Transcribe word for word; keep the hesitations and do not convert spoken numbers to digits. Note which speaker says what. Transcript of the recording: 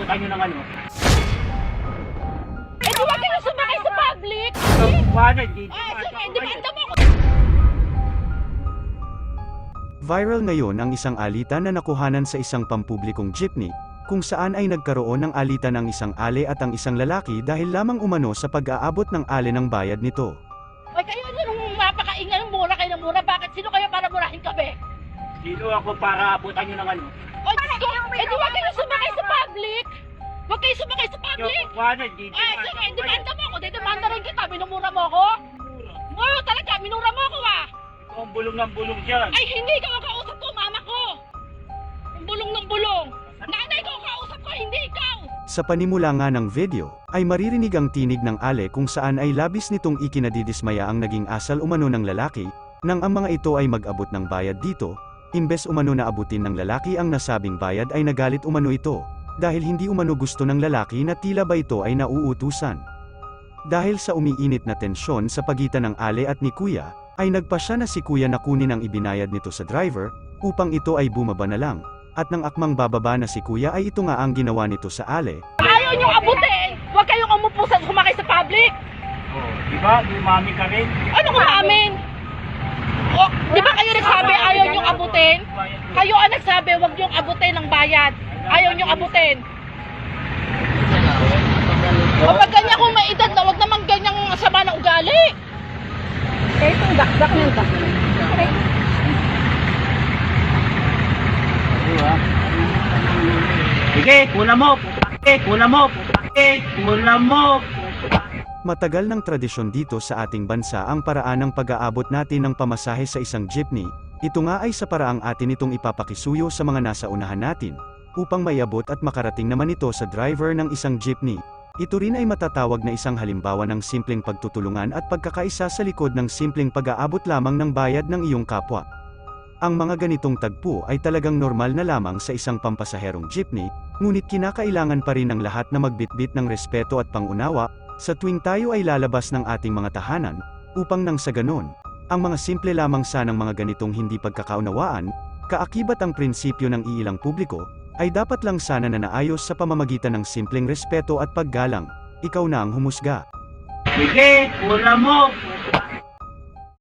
Speaker 1: paabutan nyo ng ano.
Speaker 2: Eh, di ba kayo sumakay sa public?
Speaker 1: Wala, hindi.
Speaker 2: Ah, sige, demanda mo ako.
Speaker 3: Viral ngayon ang isang alitan na nakuhanan sa isang pampublikong jeepney, kung saan ay nagkaroon ng alitan ang isang ale at ang isang lalaki dahil lamang umano sa pag-aabot ng ale ng bayad nito.
Speaker 2: Oy, kayo nung mapakaingay, mura kayo ng mura. Bakit? Sino kayo para murahin kami?
Speaker 1: Sino ako para abutan nyo ng ano?
Speaker 2: Oy, Diyos ko, eh, di ba kayo sumakay sa public? Huwag kayo sumakay sa public.
Speaker 1: Wala, hindi.
Speaker 2: Ah, sige, demanda mo ako. Demanda rin kita. Minumura mo ako? Oo, talaga. Minura mo ako, ah.
Speaker 1: Ikaw ang bulong ng bulong dyan.
Speaker 2: Ay, hindi ka makausap ko, mama ko. Ang bulong ng bulong. Nanay ko kausap ko, hindi ikaw.
Speaker 3: Sa panimula nga ng video, ay maririnig ang tinig ng ale kung saan ay labis nitong ikinadidismaya ang naging asal umano ng lalaki, nang ang mga ito ay mag-abot ng bayad dito, imbes umano na abutin ng lalaki ang nasabing bayad ay nagalit umano ito, dahil hindi umano gusto ng lalaki na tila ba ito ay nauutusan. Dahil sa umiinit na tensyon sa pagitan ng ale at ni kuya, ay nagpasya na si kuya na kunin ang ibinayad nito sa driver, upang ito ay bumaba na lang. At nang akmang bababa na si kuya ay ito nga ang ginawa nito sa ale.
Speaker 2: Ayaw niyong abutin. Huwag kayong umupo sa sumakay sa public.
Speaker 1: Oh, di ba? Umami ka rin.
Speaker 2: Ano umamin? O, di ba kayo nagsabi ayaw niyong abutin? Kayo ang nagsabi huwag niyong abutin ng bayad. Ayaw niyong abutin. Kapag ganyan kung may edad na, huwag naman ganyang sama ng ugali.
Speaker 4: Eh, itong dakdak ng dakdak.
Speaker 1: Sige, kuna mo. Putake, kuna mo. Putake, kuna mo.
Speaker 3: Matagal ng tradisyon dito sa ating bansa ang paraan ng pag-aabot natin ng pamasahe sa isang jeepney. Ito nga ay sa paraang atin itong ipapakisuyo sa mga nasa unahan natin, upang maiabot at makarating naman ito sa driver ng isang jeepney. Ito rin ay matatawag na isang halimbawa ng simpleng pagtutulungan at pagkakaisa sa likod ng simpleng pag-aabot lamang ng bayad ng iyong kapwa. Ang mga ganitong tagpo ay talagang normal na lamang sa isang pampasaherong jeepney, ngunit kinakailangan pa rin ng lahat na magbitbit ng respeto at pangunawa, sa tuwing tayo ay lalabas ng ating mga tahanan, upang nang sa ganon, ang mga simple lamang sanang mga ganitong hindi pagkakaunawaan, kaakibat ang prinsipyo ng iilang publiko, ay dapat lang sana na naayos sa pamamagitan ng simpleng respeto at paggalang. Ikaw na ang humusga.
Speaker 1: Sige, kuna mo.